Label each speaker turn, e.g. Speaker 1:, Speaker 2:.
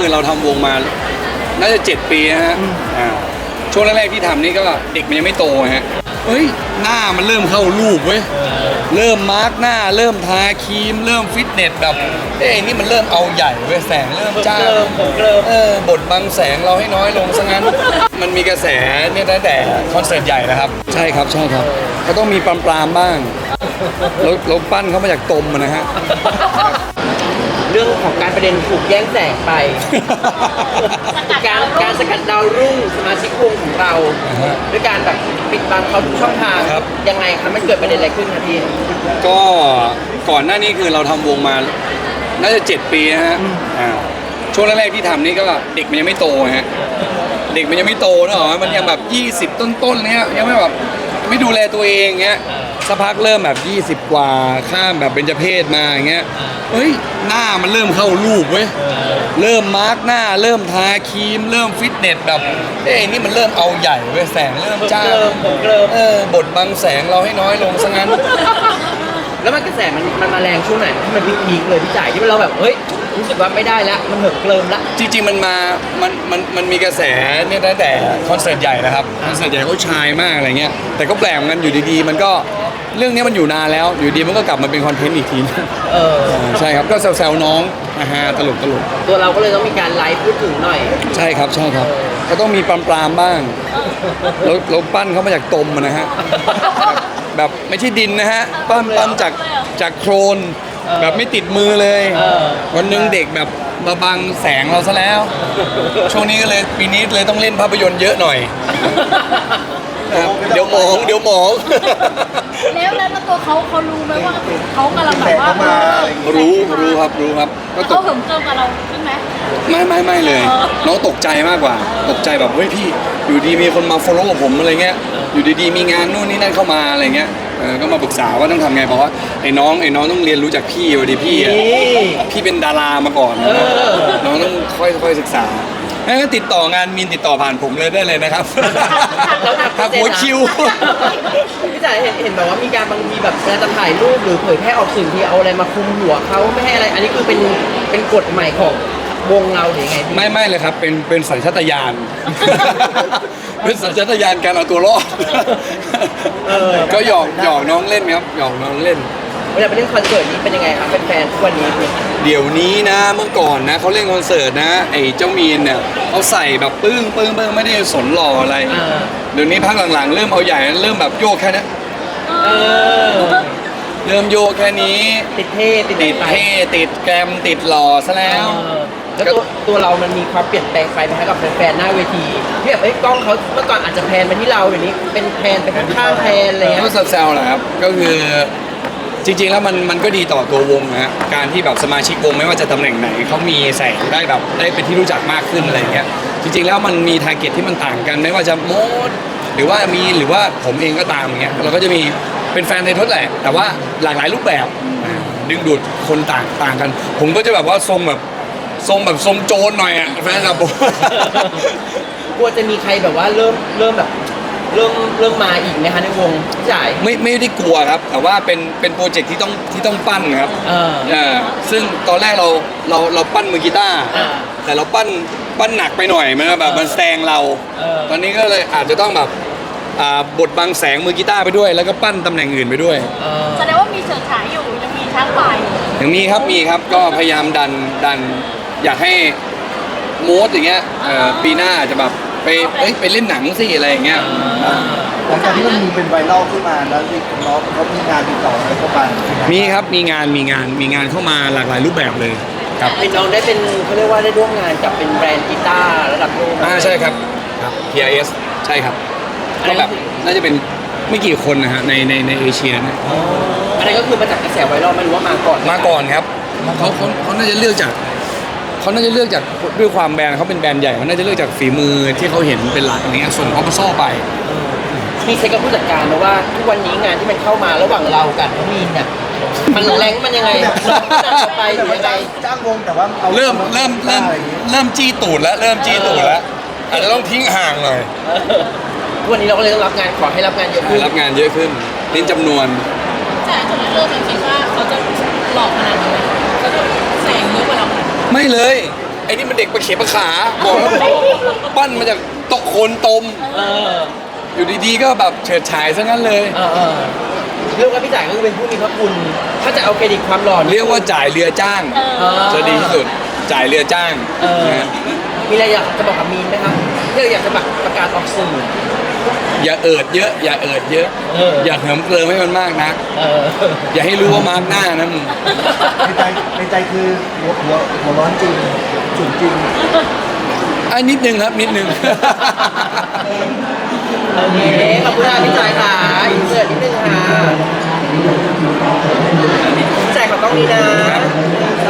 Speaker 1: คือเราทำวงมาน่าจะ7 ปีนะฮะช่วงแรกๆที่ทำนี่ก็เด็กมันยังไม่โตฮะเฮ้ยหน้ามันเริ่มเข้ารูปเว้ยเริ่มมาร์กหน้าเริ่มทาครีมเริ่มฟิตเนสแบบนี่มันเริ่มเอาใหญ่เว้ยแสงเริ่มจ้าบทบังแสงเราให้น้อยลงซะงั้นมันมีกระแสเนี่ยตั้งแต่คอนเสิร์ตใหญ่นะครับใช่ครับก็ต้องมีปรามบ้างเราปั้นเขามาจากตมนะฮะ
Speaker 2: เรื่องของการประเด็นถูกแย่งแสงไป การสกัดดาวรุ่งสมาชิกวงของเราด้วยการแบบปิดบังเขาทุกช่องทางยังไงครับมันเกิดประเด็นอะไรขึ้นครับพี่
Speaker 1: ก็ก่อนหน้านี้คือเราทำวงมาน่าจะ7 ปีนะฮะช่วงแรกๆที่ทำนี่ก็เด็กมันยังไม่โตฮะเด็กมันยังไม่โตนะหรอมันยังแบบ20ต้นๆเนี้ยยังไม่แบบไม่ดูแลตัวเองเงี้ยสักพักเริ่มแบบ20 กว่าข้ามแบบเบญจเพศมาอย่างเงี้ยเฮ้ยหน้ามันเริ่มเข้ารูปเว้ยเริ่มมาร์กหน้าเริ่มทาครีมเริ่มฟิตเนสแบบนี่มันเริ่มเอาใหญ่เว้ยแสงเริ่มจ้าบทบังแสงเราให้น้อยลงซะงั้น
Speaker 2: แล้วมันกระแสมันมาแรงช่วงไหนที่มันพีคเลยพี่จ่ายที่เราแบบเฮ้ยรู้สึกว่าไม่ได้แล้วมันเหิมเกลิมละ
Speaker 1: จริงๆมันมีกระแสเนี่ยตั้งแต่คอนเสิร์ตใหญ่นะครับคอนเสิร์ตใหญ่เขาชายมากอะไรเงี้ยแต่ก็แปลกเหมือนกันอยู่ดีๆมันก็เรื่องนี้มันอยู่นานแล้วอยู่ดีมันก็กลับมาเป็นคอนเทนต์อีกทีใช่ครับก็แซวๆน้องตลก
Speaker 2: ตัวเราก็เลยต้องมีการไลฟ์พูดถึงหน่อย
Speaker 1: ใช่ครับก็ต้องมีปรามบ้างเราปั้นเขามาจากตมนะฮะแบบไม่ใช่ดินนะฮะปั้นจากโครนแบบไม่ติดมือเลยวันนึงเด็กแบบมาบังแสงเราซะแล้วช่วงนี้ก็เลยปีนี้เลยต้องเล่นภาพยนตร์เยอะหน่อยเดี๋ยวหมอง
Speaker 3: แล้วตัวเขารู้ไหมว่าเขากำลังแบบว่า
Speaker 1: รู้ครับ
Speaker 3: เขาเหิมเกิมกับเราใช่ไหม
Speaker 1: ไม่เลยน้องตกใจมากกว่าตกใจแบบเฮ้ยพี่อยู่ดีมีคนมา follow กับผมอะไรเงี้ยอยู่ดีๆมีงานนู่นนี่นั่นเข้ามาอะไรเงี้ยก็มาปรึกษาว่าต้องทำไงเพราะว่าไอ้น้องต้องเรียนรู้จากพี่ดีพี่เป็นดารามาก่อนน้องต้องค่อยศึกษางั้นติดต่องานมีนติดต่อผ่านผมเลยได้เลยนะครับทางหัวคิว
Speaker 2: พี่จ๋าเห็นแบบว่ามีการบางทีแบบเวลาจะถ่ายรูปหรือเผยแพร่ออกสื่อที่เอาอะไรมาคุมหัวเขาไม่ให้อะไรอันนี้คือเป็นกฎใหม่ของวงเราหรือไงพี่
Speaker 1: ไม่เลยครับเป็นสัญชาตญาณเป็นสัญชาตญาณการเอาตัวรอดก็หยอกน้องเล่นครับหยอกน้องเล่น
Speaker 2: เวลาไปเล่นคอนเสิร์ตนี้เป็นยังไงครับแฟนๆทุกวันนี้
Speaker 1: เดี๋ยวนี้นะเมื่อก่อนนะเขาเล่นคอนเสิร์ตนะไอ้เจ้ามีนเนี่ยเขาใส่แบบปึ้งไม่ได้สนหล่ออะไรเดี๋ยวนี้พักหลังๆเริ่มเอาใหญ่เริ่มแบบโยกแค่นี้เริ่มโยกแค่นี้
Speaker 2: ติดเท่
Speaker 1: ติดแกรมติดหล่อซะแล้ว
Speaker 2: แล้วตัวเรามันมีความเปลี่ยนแปลงไปไหมครับกับแฟนๆหน้าเวทีที่แบบกล้องเขาเมื่อก่อนอาจจะแพนมาที่เราเดี๋ยวนี้เป็นแพนไปข้างๆแพนอะไรเงี้ย
Speaker 1: ก็แซวๆแหละครับก็คือจริงๆแล้วมันก็ดีต่อตัววงนะฮะการที่แบบสมาชิกวงไม่ว่าจะตำแหน่งไหนเขามีแสงได้แบบได้เป็นที่รู้จักมากขึ้นอะไรเงี้ยจริงๆแล้วมันมีทาร์เก็ตที่มันต่างกันไม่ว่าจะโมดหรือว่าผมเองก็ตามอย่างเงี้ยเราก็จะมีเป็นแฟนในทศแหละแต่ว่าหลากหลายรูปแบบดึงดูดคนต่างกันผมก็จะแบบว่าทรงโจรหน่อยอ่ะแฟนครับผม
Speaker 2: กลัวจะมีใครแบบว่าเริ่มแบบเริ่มมาอีกไหมคะในวงจ่าย
Speaker 1: ไม่ได้กลัวครับแต่ว่าเป็นโปรเจกต์ที่ต้องปั้นครับซึ่งตอนแรกเราปั้นมือกีตาร์แต่เราปั้นหนักไปหน่อยมันแบบมันแซงเราตอนนี้ก็เลยอาจจะต้องแบบบทบังแสงมือกีตาร์ไปด้วยแล้วก็ปั้นตำแหน่งอื่นไปด้วย
Speaker 3: แสดงว่ามีเฉิดฉายอยู่ยังมีช้างป่า
Speaker 1: ยังมีครับก็พยายามดันอยากให้โมดอย่างเงี้ยปีหน้าจะแบบไปเล่นหนังสิอะไรอย่างเงี้ย
Speaker 4: หลังจากที่มันมีเป็นไวรัลขึ้นมาแล้วที่น้องเขามีงานติดต่ออะไรเข้ามา
Speaker 1: มีครับมีงานเข้ามาหลากหลายรูปแบบเลยครับ
Speaker 2: เป็นน้องได้เป็นเขาเรียกว่าได้ร่วมงานกับเป็นแบรนด์กีตาร์ระดับโลก
Speaker 1: ใช่ครับ PRS ใช่ครับก็แบบน่าจะเป็นไม่กี่คนนะฮะในเอเชียนะ
Speaker 2: อันนั้นก็คือมาจากกระแสไวรัลไม่รู้ว่ามา
Speaker 1: ก่อนครับเขาน่าจะเลือกจากด้วยความแบรนด์เขาเป็นแบรนด์ใหญ่เขาน่าจะเลือกจากฝีมือที่เขาเห็นเป็นหลักอย่างเงี้ยส่งเขาซ่อไป
Speaker 2: มีเซ็กกับผู้จัดการนะว่าทุกวันนี้งานที่มันเข้ามาระหว่างเรากับน้องมีนเนี่ยมันแรงมันยังไงไปหรือยังไง
Speaker 4: จ้างวงแต่ว่า
Speaker 1: เริ่มจี้ตูดแล้วอาจจะต้องทิ้งห่างหน่อย
Speaker 2: ทุกวันนี้เราก็เลยต้องรับงานขอให้รับงานเยอะขึ้น
Speaker 1: นิ้นจำนวน
Speaker 3: แต่จุดเริ่มคิดว่าเขาจะหลอกขนาดนี้เขาจะแสงเยอะกว่าเรา
Speaker 1: ไม่เลยไอ้นี่มันเด็กประเข็บประขาบอกแล้วปั้นมาจากโต๊ะโคนตม
Speaker 2: เออ
Speaker 1: อยู่ดีๆก็แบบเฉิดฉายซะงั้นเลย
Speaker 2: เรื่องว่าพี่จ่ายก็คือเป็นผู้มีพระคุณ ถ้าจะเอาเครดิตความหล่อ
Speaker 1: เรียกว่าจ่ายเรือจ้าง จะดีที่สุดจ่ายเรือจ้าง นะฮะ
Speaker 2: มีอะไรอยากจะบอกกับมีนไหมครับที่เราอยากจะประกาศออกสื่อ
Speaker 1: อย่าเอิดเยอะ อย่าเอิดเยอะ อย่าเหิมเกริมให้มันมากนะ
Speaker 2: เออ
Speaker 1: อย่าให้รู้ว่ามาร์กหน้านะมึง
Speaker 4: ในใจคือหัวร้อนจริงฉุนจริง
Speaker 1: นิดนึงครับนิดนึง
Speaker 2: โอเค ขอบคุณค่ะพี่จ่ายค่ะอินเสิร์ตนิดนึงค่ะพี่จ่ายขอกล้องนี้นะ